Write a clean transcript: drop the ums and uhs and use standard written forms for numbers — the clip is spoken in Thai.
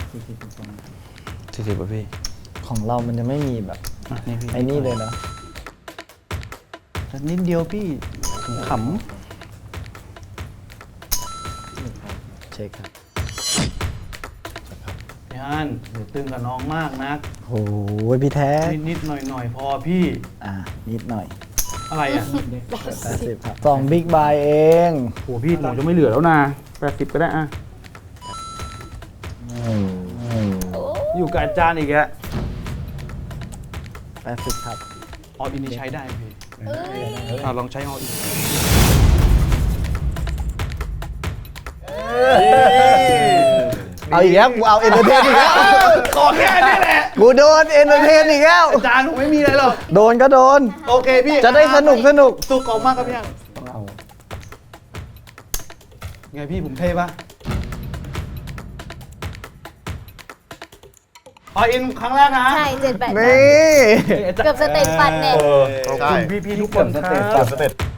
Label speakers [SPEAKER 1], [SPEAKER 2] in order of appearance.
[SPEAKER 1] 40ป่ะพี่
[SPEAKER 2] ของเรามันจะไม่มีแบบ
[SPEAKER 1] นี่พี่
[SPEAKER 2] ไอ้นี่เลยนะ
[SPEAKER 1] นิดเดียวพี่ข
[SPEAKER 2] เช็คครับ
[SPEAKER 1] ำพี่ฮันอย่าตึงกับน้องมากนะ
[SPEAKER 2] โอ้ยพี่แท้
[SPEAKER 1] นิดๆหน่อยๆพอพี่
[SPEAKER 2] นิดหน่อย
[SPEAKER 1] อะไรอ่ะ
[SPEAKER 2] 80ครับ2บิ๊กบายเอง
[SPEAKER 1] โหพี่หนูจะไม่เหลือแล้วนะ80ก็ได้อ่ะอยู่กับอาจารย์อีกอะ
[SPEAKER 2] 80ครับ
[SPEAKER 1] อออินนี่ใช้ได้พี่ลองใช้อออิน
[SPEAKER 2] เอาอีกแล้วกูเอาเอนเตอร์เทนอีกแล้ว
[SPEAKER 1] ขอแค่นี้แหละ
[SPEAKER 2] กูโดนเอนเตอร์เทนอีกแล้ว
[SPEAKER 1] อาจารย์ผมไม่มีอะไรหรอก
[SPEAKER 2] โดนก็โดน
[SPEAKER 1] โอเคพี่
[SPEAKER 2] จะได้สนุก
[SPEAKER 1] สุกออกมากครับพี่ฮันไงพี่ผมเท่ปะออินครั้งแรกนะ
[SPEAKER 3] ใช่7-8
[SPEAKER 2] นี่
[SPEAKER 3] เกือบสเต็ปฟันเนี่ย
[SPEAKER 1] ขอบคุณพี่ๆทุกคนครับ
[SPEAKER 4] สเต็ป